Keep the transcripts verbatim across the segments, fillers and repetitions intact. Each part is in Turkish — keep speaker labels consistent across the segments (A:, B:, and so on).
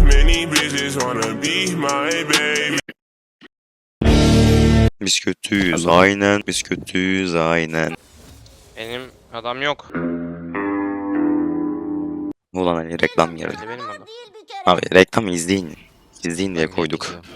A: Many bitches wanna be my baby.
B: Biz kötüyüz aynen. Biz kötüyüz aynen.
C: Benim adam yok.
B: Ulan hani reklam geldi.
C: Hadi benim adam.
B: Abi reklam izleyin. İzleyin diye
D: Ben
B: koyduk.
D: geliyorum.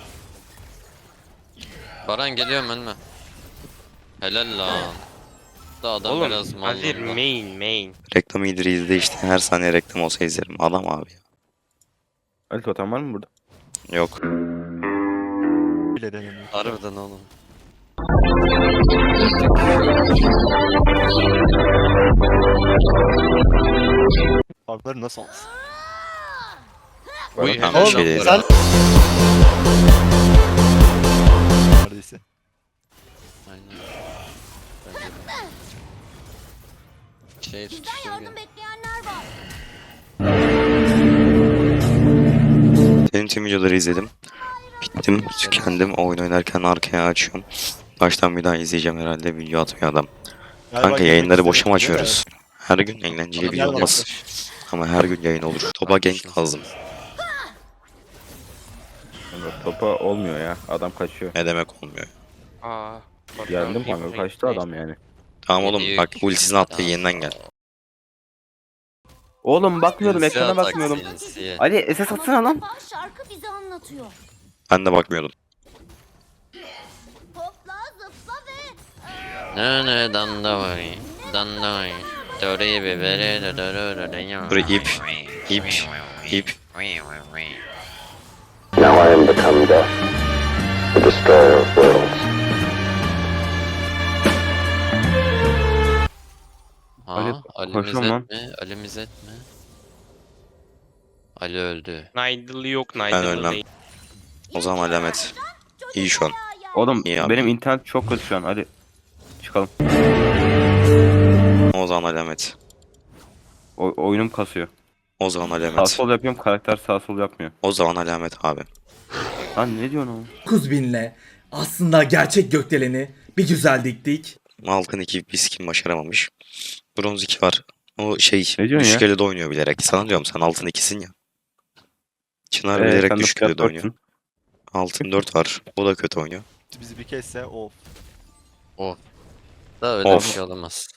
D: Baran geliyorum önüme. Helal lan. Da adam
C: Oğlum
D: biraz mal
C: Azir
D: oldu.
C: main main.
B: Reklam iyidir izle işte. Her saniye reklam olsa izlerim. Adam abi.
E: Ali totem var mı burada?
B: Yok.
F: Bile denemiyor.
D: Harbiden oğlum.
F: Farkları nasıl alsın?
C: Uy,
B: Tamam,
C: helal
B: bir şey
C: lan
B: değil.
C: Baran.
F: Neredeyse.
D: Aynen. Bence de. Şey tutuştur
G: Yardım
D: gel.
G: bekleyenler var.
B: Senin tüm videoları izledim. Bittim. Tükendim. Oyun oynarken arkaya açıyorum. Baştan bir daha izleyeceğim herhalde. Video atmıyor adam.
F: Galiba
B: Kanka
F: girmek
B: yayınları boşa mı
F: istemiyor,
B: açıyoruz? Her gün eğlenceli
D: Adam
B: video
F: nerede
B: olmaz. Ama her gün yayın olur. Topa gank lazım.
E: Kanka, topa olmuyor ya. Adam kaçıyor.
B: Ne demek olmuyor.
C: Aa.
E: Geldim kanka kaçtı adam yani.
B: Tamam oğlum
D: Yedi
B: bak
D: yük.
B: ultisini attı
D: Tamam.
B: yeniden gel.
E: Oğlum bakmıyordum
D: Sinsi
E: ekrana
D: atak,
E: bakmıyordum.
D: sinsi.
E: Ali S S atsana lan.
G: Ama şarkı bize anlatıyor.
B: Ben de bakmıyordum.
G: Hopla zıpla ve
D: Ne ne dandavay. Dandavay. Döreyi biberi de dörü de ya.
B: Buraya ip, ip, ip.
H: Now I am become death, the destroyer of worlds.
D: Ha,
E: Ali,
D: Ali
E: koşuyorum lan.
D: Mizet mi? Ali Mizet mi? Ali öldü.
C: Nidal'ı yok
B: Ben
C: Nidal'ı
B: ölmem.
C: değil.
B: O zaman alamet. İyi şu an.
E: Oğlum
B: İyi abi.
E: benim internet çok kötü şu an. Hadi çıkalım.
B: O zaman alamet.
E: O oyunum kasıyor.
B: O zaman
E: Sağ
B: alamet.
E: sol yapıyorum karakter sağ sol yapmıyor.
B: O zaman alamet abi.
E: Lan ne diyorsun oğlum?
I: dokuz binle aslında gerçek gökdeleni bir güzel diktik.
B: Altın iki bir skin başaramamış. Bronz iki var. O şey
E: Ne diyorsun ya?
B: düşük de oynuyor bilerek. Sana diyorum sen altın ikisin ya. Çınar
E: Ee,
B: bilerek
E: sen de
B: düşük
E: fiyat
B: elde oynuyor.
E: dörtsün.
B: Altın dört var. O da kötü oynuyor.
F: Bizi bir kesse of.
D: Da öyle
B: Of.
D: bir şey olamaz.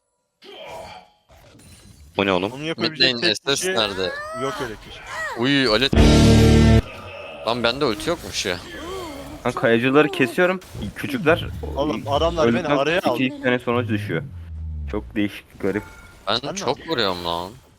B: Bu ne oğlum?
F: Onu
D: Mid
F: yapabilecek
D: lane
F: tek
D: S S
F: kişi
D: nerede?
F: yok öyle kişi.
D: Uy Ali. Lan bende ulti yokmuş ya.
E: Lan kayacıları kesiyorum. Küçükler
F: Oğlum adamlar beni
E: öldükten
F: araya aldı.
E: iki iki sene sonra düşüyor. Çok değişik garip.
D: Ben
F: Sen ne
D: çok vuruyorum lan.